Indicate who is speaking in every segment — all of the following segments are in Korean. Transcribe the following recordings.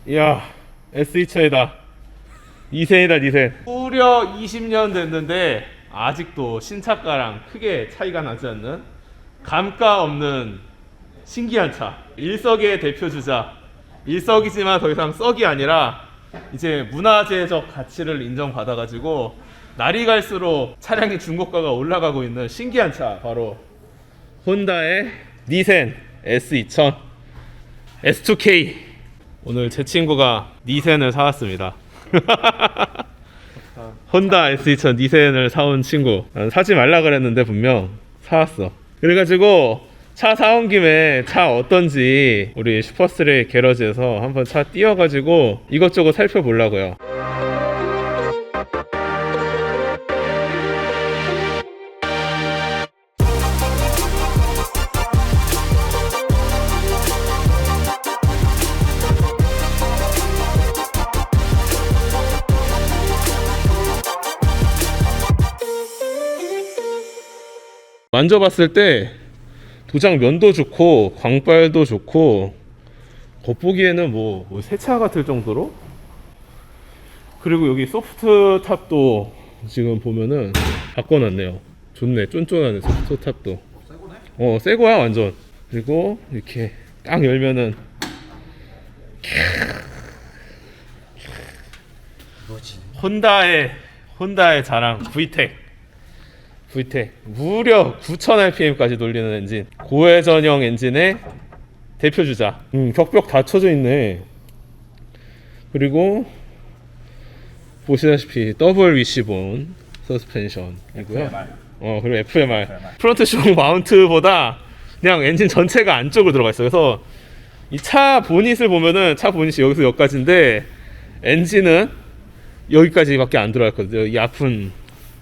Speaker 1: 이야, S2000이다. 니센이다, 니센. 무려 20년 됐는데 아직도 신차가랑 크게 차이가 나지 않는 감가 없는 신기한 차. 일석의 대표주자. 일석이지만 더 이상 썩이 아니라 이제 문화재적 가치를 인정받아가지고 날이 갈수록 차량의 중고가가 올라가고 있는 신기한 차, 바로 혼다의 니센 S2000 S2K. 오늘 제 친구가 니센을 사왔습니다. 혼다 S2000 니센을 사온 친구. 난 사지 말라 그랬는데 분명 사왔어. 그래가지고 차 사온 김에 차 어떤지 우리 슈퍼스레이 게러지에서 한번 차 띄워가지고 이것저것 살펴보려고요. 만져봤을 때 도장 면도 좋고 광발도 좋고 겉보기에는 뭐 새 차 같을 정도로. 그리고 여기 소프트 탑도 지금 보면은 바꿔놨네요. 좋네, 쫀쫀하네. 소프트 탑도 새거네? 새거야 완전. 그리고 이렇게 딱 열면은
Speaker 2: 뭐지?
Speaker 1: 혼다의 자랑 VTEC 무려 9000rpm까지 돌리는 엔진, 고회전형 엔진의 대표주자. 격벽 다 쳐져 있네. 그리고 보시다시피 더블 위시본 서스펜션이고요. 그리고 FMR. 프론트 쇼 마운트보다 그냥 엔진 전체가 안쪽으로 들어가 있어요. 그래서 이 차 보닛을 보면은 차 보닛이 여기서 여기까지인데 엔진은 여기까지밖에 안 들어가 있거든요. 이 아픈.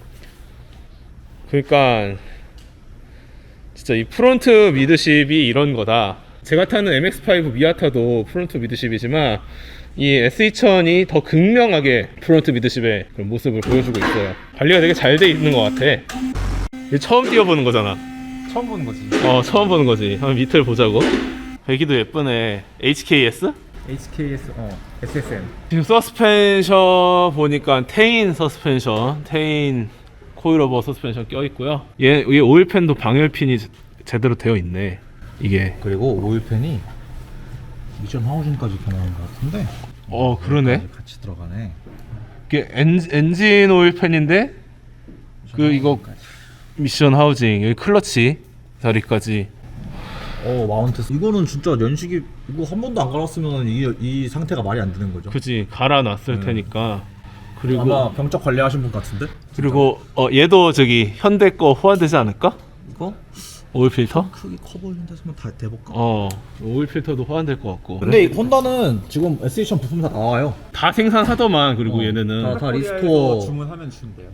Speaker 1: 그러니까 진짜 이 프론트 미드십이 이런 거다. 제가 타는 MX-5 미아타도 프론트 미드십이지만 이 S2000이 더 극명하게 프론트 미드십의 그런 모습을 보여주고 있어요. 관리가 되게 잘 돼 있는 것 같아. 이게 처음 띄워보는 거잖아.
Speaker 2: 처음 보는 거지.
Speaker 1: 처음 보는 거지. 한번 밑을 보자고. 배기도 예쁘네. HKS?
Speaker 2: HKS SSN.
Speaker 1: 지금 서스펜션 보니까 테인 서스펜션, 테인 코일오버 서스펜션 껴있고요. 얘 오일팬도 방열핀이 제대로 되어 있네. 이게
Speaker 2: 그리고 오일팬이 미션 하우징까지 변하는 것 같은데.
Speaker 1: 그러네.
Speaker 2: 같이 들어가네.
Speaker 1: 이게 엔진 오일팬인데 이거 미션 하우징, 여기 클러치 자리까지.
Speaker 2: 마운트. 이거는 진짜 연식이 이거 한 번도 안 갈았으면 이 상태가 말이 안 되는 거죠.
Speaker 1: 그지, 갈아놨을 테니까. 그리고
Speaker 2: 아마 병적 관리하신 분 같은데.
Speaker 1: 그리고 얘도 저기 현대 거 호환되지 않을까?
Speaker 2: 이거
Speaker 1: 오일 필터?
Speaker 2: 크기 커 보이는 데서만 다 대볼까?
Speaker 1: 오일 필터도 호환될 것 같고.
Speaker 2: 근데 이 혼다는 지금 S2000 부품 다 나와요.
Speaker 1: 다 생산하더만. 그리고 얘네는
Speaker 2: 다 리스토어
Speaker 3: 주문하면 준대요.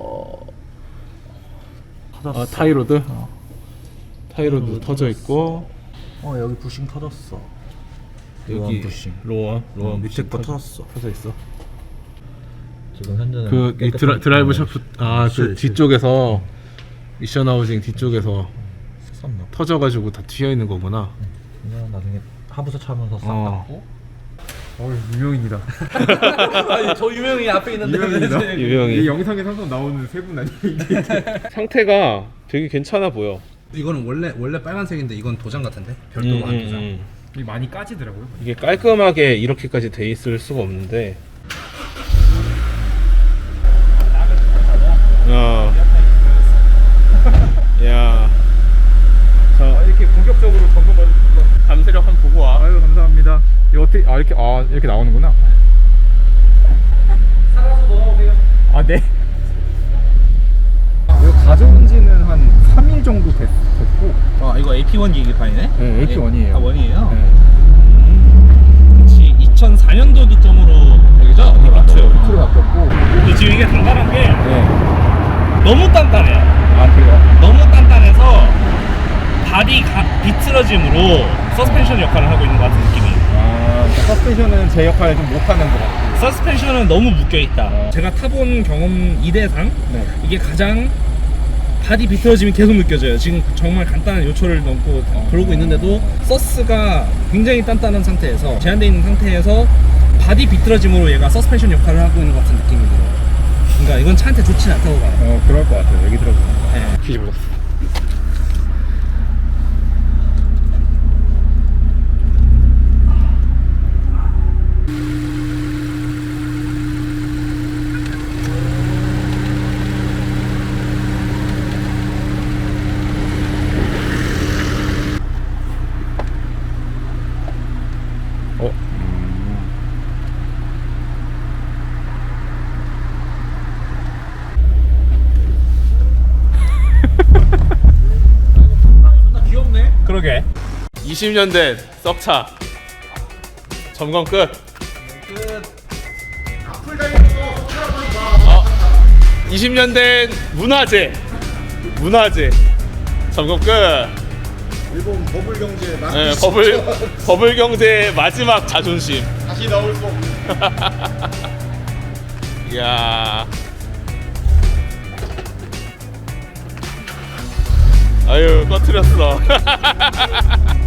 Speaker 1: 타이로드? 타이로드 터져 있고.
Speaker 2: 여기 부싱 터졌어.
Speaker 1: 여기
Speaker 2: 부싱.
Speaker 1: 로원
Speaker 2: 밑에
Speaker 1: 부싱
Speaker 2: 거 터졌어.
Speaker 1: 터져 있어.
Speaker 2: 지금 현재는
Speaker 1: 이 드라이브 샤프 그 뒤쪽에서 미션 하우징 뒤쪽에서
Speaker 2: 썼나?
Speaker 1: 터져가지고 다 튀어 있는 거구나.
Speaker 2: 그냥 나중에 하부서 차면서 싹 닦고.
Speaker 3: 유명인이다.
Speaker 2: 아니 저 유명이 앞에 있는데.
Speaker 3: 유명이다.
Speaker 1: 유명이.
Speaker 3: 이 영상에 항상 나오는 세 분 아니에요?
Speaker 1: 상태가 되게 괜찮아 보여.
Speaker 4: 이거는 원래 빨간색인데 이건 도장 같은데 별도로 한 도장.
Speaker 3: 이 많이 까지더라고요.
Speaker 1: 이게 깔끔하게 이렇게까지 돼 있을 수가 없는데. 야. 자,
Speaker 3: 이렇게 본격적으로 점검받은 거.
Speaker 1: 감세력 한번 보고 와.
Speaker 3: 아유 감사합니다. 이거 어떻게 이렇게 나오는구나.
Speaker 2: 살아서 넘어오세요.
Speaker 3: 네. 이거 가져온 지는 한 3일 정도 됐고.
Speaker 4: 이거 AP1 계기판이네?
Speaker 3: 네, AP1이에요.
Speaker 4: 원이에요?
Speaker 3: 네.
Speaker 4: 그치, 2004년도 기점으로 여기죠?
Speaker 3: 밑으로 바뀌었고.
Speaker 4: 근데 지금 이게 단단한 게
Speaker 3: 네.
Speaker 4: 너무 단단해요.
Speaker 3: 그래요?
Speaker 4: 너무 단단해서 발이 비틀어짐으로 서스펜션 역할을 하고 있는 것 같은 느낌이에요.
Speaker 3: 그러니까 서스펜션은 제 역할을 좀 못하는 것 같고.
Speaker 4: 서스펜션은 너무 묶여있다. 제가 타본 경험 이대상
Speaker 3: 네.
Speaker 4: 이게 가장 바디 비틀어짐이 계속 느껴져요. 지금 정말 간단한 요철을 넘고 그러고 있는데도 서스가 굉장히 단단한 상태에서 제한되어 있는 상태에서 바디 비틀어짐으로 얘가 서스펜션 역할을 하고 있는 것 같은 느낌이 들어요. 그러니까 이건 차한테 좋진 않다고 봐요.
Speaker 3: 그럴 것 같아요. 얘기 들어보니까.
Speaker 4: 네.
Speaker 1: 뒤집어졌어.
Speaker 2: 존나 귀엽네.
Speaker 4: 그러게.
Speaker 1: 20년 된 썩차 점검 끝.
Speaker 2: 앞을 달려서
Speaker 1: 20년 된 문화재 점검 끝.
Speaker 2: 일본 버블 경제
Speaker 1: 네, 버블 경제의 마지막 자존심.
Speaker 2: 다시 나올 수 없는.
Speaker 1: 이야. 아유, 꺼트렸어.